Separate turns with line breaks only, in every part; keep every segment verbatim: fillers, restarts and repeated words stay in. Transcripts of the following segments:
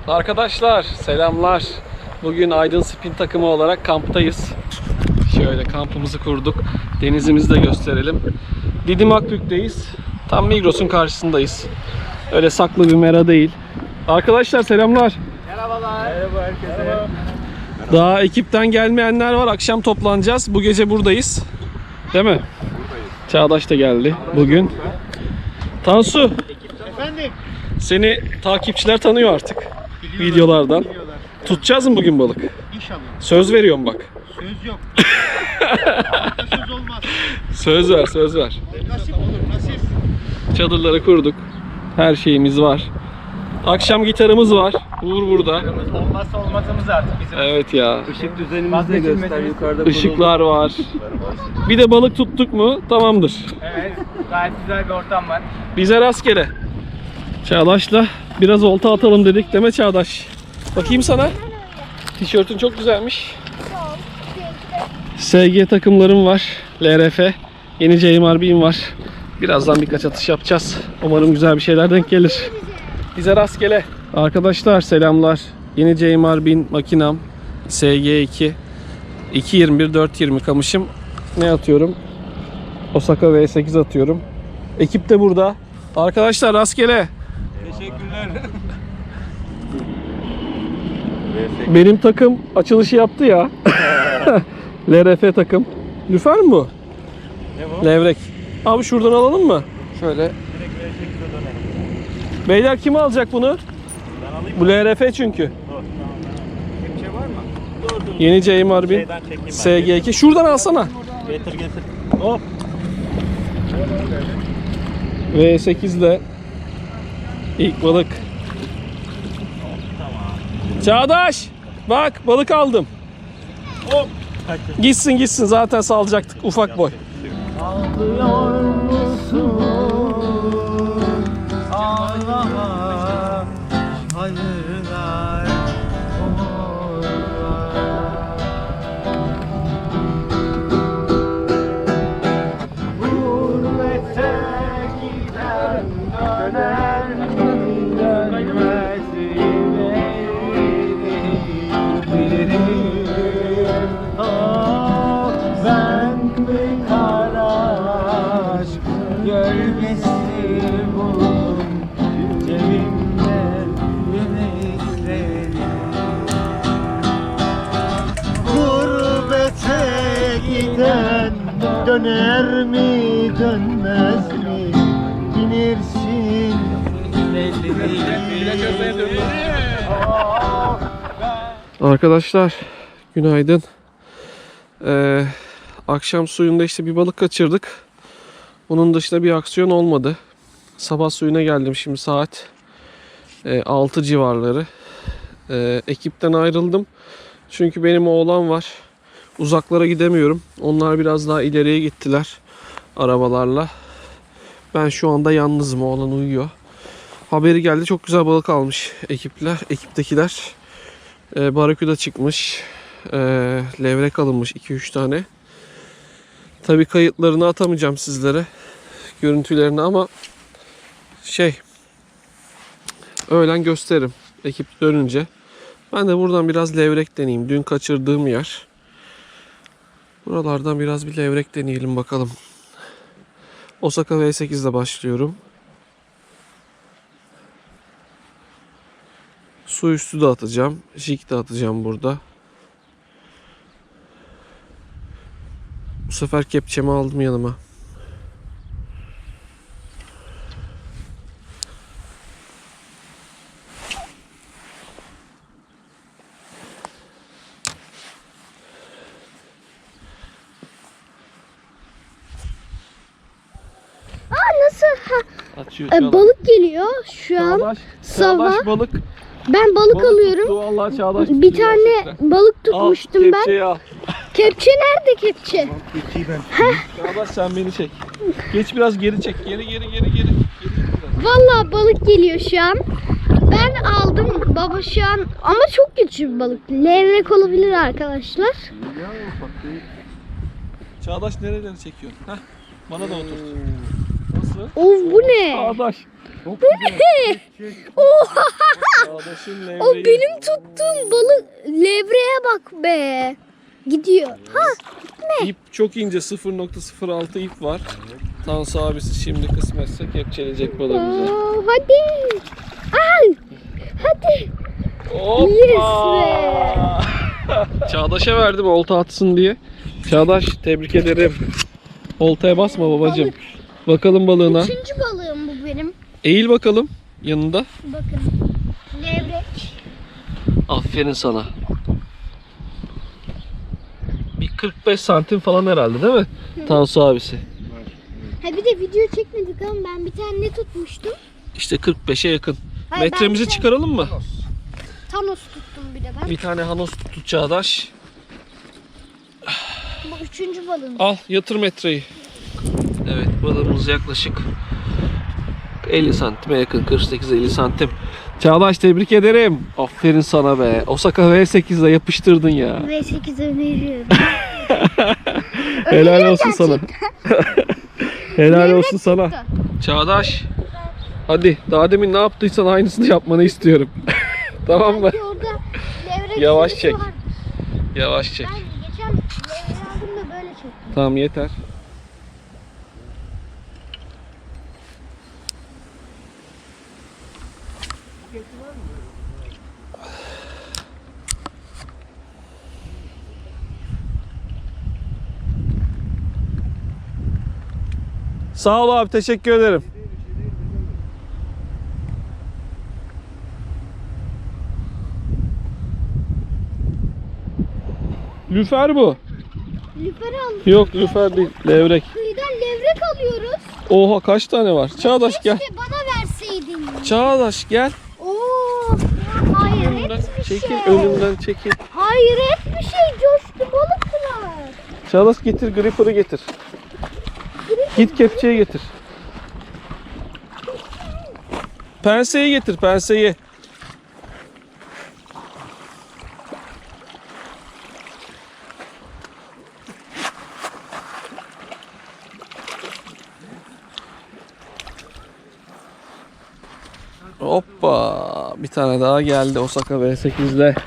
Arkadaşlar selamlar. Bugün Aydın Spin takımı olarak kamptayız. Şöyle kampımızı kurduk. Denizimizi de gösterelim. Didim Akbük'teyiz. Tam Migros'un karşısındayız. Öyle saklı bir mera değil. Arkadaşlar selamlar.
Merhabalar. Merhaba herkese. Merhaba.
Daha ekipten gelmeyenler var. Akşam toplanacağız. Bu gece buradayız. Değil mi? Buradayız. Çağdaş da geldi bugün. Tansu.
Efendim.
Seni takipçiler tanıyor artık.
Biliyorlar,
videolardan.
biliyorlar.
Tutacağız mı bugün balık?
İnşallah.
Söz veriyorum bak.
Söz yok. Söz olmaz.
Söz ver, söz ver.
Nasip olur, nasip.
Çadırları kurduk. Her şeyimiz var. Akşam gitarımız var. Uğur burada.
Olmazsa olmazımız artık bizim.
Evet ya.
Işık düzenimizi de göster yukarıda.
Işıklar var. Bir de balık tuttuk mu tamamdır.
Evet, gayet güzel bir ortam var.
Bize rastgele. Çağdaş'la biraz olta atalım dedik, değil mi Çağdaş? Bakayım sana. Tişörtün çok güzelmiş. S G takımlarım var. L R F. Yeni J M R B'im var. Birazdan birkaç atış yapacağız. Umarım güzel bir şeyler denk gelir. Bize rastgele. Arkadaşlar selamlar. Yeni J M R B'in makinam. S G iki. iki yirmi bir dört yirmi kamışım. Ne atıyorum? Osaka V sekiz atıyorum. Ekip de burada. Arkadaşlar rastgele.
Teşekkürler.
Benim takım açılışı yaptı ya. L R F takım. Lüfer mi bu?
Ne bu?
Levrek. Abi şuradan alalım mı? Şöyle. Beyler kim alacak bunu?
Ben alayım.
Bu L R F çünkü.
Dur. Kepçe var mı? Dur dur.
Yeni J M R B S G iki. Şuradan alsana.
Getir getir. Hop.
V sekiz ile ilk balık. Çağdaş! Bak balık aldım.
Hop.
Gitsin gitsin zaten salacaktık ufak boy.
Ağlıyor musun? Ağlama. Hayırlar. Gurbete giden döner mi dönmez bilirim. Ah ben mi kara aşk gölgesi buldum cebimde yemekleri. Gurbete giden döner mi dönmez mi bilirsin belli değil.
Arkadaşlar günaydın. Ee, akşam suyunda işte bir balık kaçırdık. Bunun dışında bir aksiyon olmadı. Sabah suyuna geldim şimdi saat e, altı civarları. E, ekipten ayrıldım. Çünkü benim oğlan var. Uzaklara gidemiyorum. Onlar biraz daha ileriye gittiler arabalarla. Ben şu anda yalnızım. Oğlan uyuyor. Haberi geldi. Çok güzel balık almış ekipler, ekiptekiler. E, baraküda çıkmış. E, levrek alınmış iki üç tane. Tabii kayıtlarını atamayacağım sizlere. Görüntülerini ama şey öğlen gösteririm ekip dönünce. Ben de buradan biraz levrek deneyeyim. Dün kaçırdığım yer. Buralardan biraz bir levrek deneyelim bakalım. Osaka V sekiz ile başlıyorum. Su üstü de atacağım. Jig de atacağım burada. Bu sefer kepçemi aldım yanıma.
Nasıl? Ha,
Açıyor
e, balık geliyor şu an.
Çağdaş,
sabah.
Çağdaş balık.
Ben balık,
Balık
alıyorum.
tuttu, vallahi Çağdaş
Bir
tutuyor
tane
gerçekten.
balık tutmuştum
al,
ben.
kepçeyi al.
Kepçe nerede kepçe?
Çağdaş sen beni çek. Geç biraz geri çek. Geri geri geri geri. geri biraz.
Vallahi balık geliyor şu an. Ben aldım baba şu an ama çok küçük bir balık. Levrek olabilir arkadaşlar.
Çağdaş nereleri çekiyor? Heh, bana da otur. Nasıl?
Of bu ne?
Çağdaş.
Çok güzel.
Oha!
Çağdaş'ın
O
levreği.
benim tuttuğum balık. Levreye bak be. Gidiyor. Ha?
İp çok ince, sıfır nokta sıfır altı ip var. Tansu abisi şimdi kısmetse kepçeleyecek balığımızı.
Aa, hadi. Ay. Hadi.
Hoppa!
Yes be.
Çağdaş'a verdim olta atsın diye. Çağdaş tebrik ederim. Oltaya basma babacığım. Bakalım balığına.
Üçüncü balığım bu benim.
Eğil bakalım yanında.
Bakın. Levrek.
Aferin sana. Bir kırk beş santim falan herhalde değil mi? Tansu abisi.
Ha bir de video çekmedik ama ben bir tane ne tutmuştum?
İşte kırk beşe yakın.
Hayır,
Metremizi
ben bir
çıkaralım mı?
Thanos tuttum bir de ben.
Bir tane Hanos tuttu Çağdaş.
Bu üçüncü balığım.
Al yatır metreyi. Evet balığımız yaklaşık elli santime yakın. kırk sekiz elli santim. Çağdaş tebrik ederim. Aferin sana be. Osaka V sekizle yapıştırdın ya.
V sekiz öneriyorum.
Helal olsun sana. Helal
Levrek
olsun sana.
tuttu.
Çağdaş. Hadi daha demin ne yaptıysan aynısını yapmanı istiyorum. Tamam mı?
Belki orada levrek
Yavaş
sürüsü
çek.
var.
Yavaş çek.
Ben geçen levrek aldım da böyle çektim.
Tamam yeter. Sağ ol abi, teşekkür ederim. Lüfer bu.
Lüfer aldım.
Yok lüfer değil, levrek.
Kıyıdan levrek alıyoruz.
Oha kaç tane var? Çağdaş gel.
Keşke bana verseydin.
Çağdaş gel.
Oo, hayret
Önümden
bir
çekil,
şey.
önümden çekil.
Hayret bir şey, coştu balıklar.
Çağdaş getir, gripper'ı getir. Git kepçeyi getir. Penseyi getir, penseyi. Hoppa, bir tane daha geldi Osaka V sekiz'le.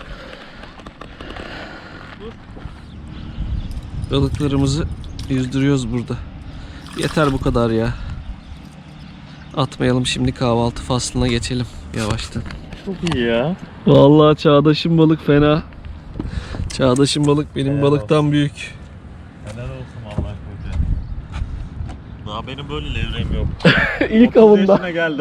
Balıklarımızı yüzdürüyoruz burada. Yeter bu kadar ya. Atmayalım, şimdi kahvaltı faslına geçelim yavaştan.
Çok iyi ya.
Vallahi Çağdaş'ın balık fena. Çağdaş'ın balık benim
Helal
balıktan büyük.
Helal olsun Allah koca. Daha benim böyle levreğim yok.
İlk
otuz
avında.
yaşına geldim.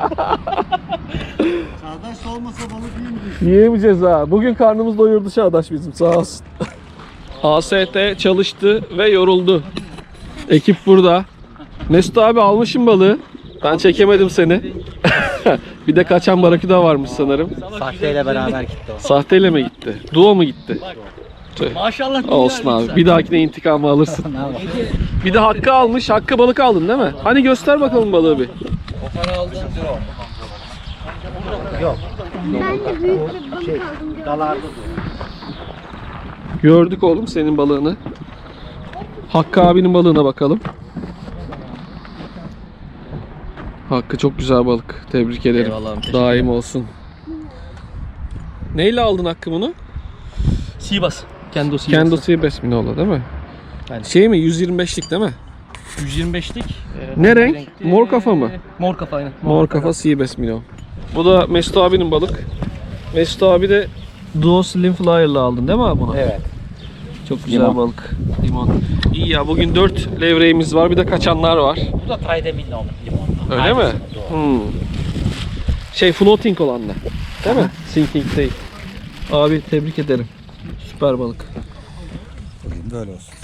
Çağdaş olmasa balık yiyeyim.
Yiyemeyeceğiz ha. Bugün karnımız doyurdu Çağdaş bizim, sağ olsun. A S T çalıştı ve yoruldu. Ekip burada. Mesut abi almışım balığı. Ben çekemedim seni. Bir de kaçan baraküda varmış sanırım.
Sahteyle beraber gitti o.
Sahteyle mi gitti? Duo mu gitti? Tüh.
Maşallah.
Olsun abi. Bir dahakine intikamı alırsın. Bir de Hakkı almış. Hakkı balık aldın değil mi? Hani göster bakalım balığı bir.
Ben de büyük bir balık
Şey,
aldım. gördüm.
Dalardı.
Gördük oğlum senin balığını. Hakkı abinin balığına bakalım. Hakkı çok güzel balık. Tebrik ederim.
Eyvallah, teşekkür
Daim olsun. Neyle aldın Hakkı bunu?
Sivas. Kendo Sivas.
Kendo Seabass Minola değil mi?
Aynen.
Şey mi? yüz yirmi beşlik değil mi?
yüz yirmi beşlik.
Ne renk? Mor kafa mı?
Mor kafa aynen.
Mor kafa Seabass Minnow. Bu da Mesut abinin balık. Mesut abi de Duo Slim Flyer'la aldın değil mi abi bunu?
Evet.
Çok güzel
Limon.
balık. Limon. İyi ya, bugün dört levreğimiz var, bir de kaçanlar var.
Bu da Tayde Milli limon.
Öyle mi? Hmm. Şey floating olan da. Değil mi? Sinking değil. Abi tebrik ederim. Süper balık.
Böyle olsun.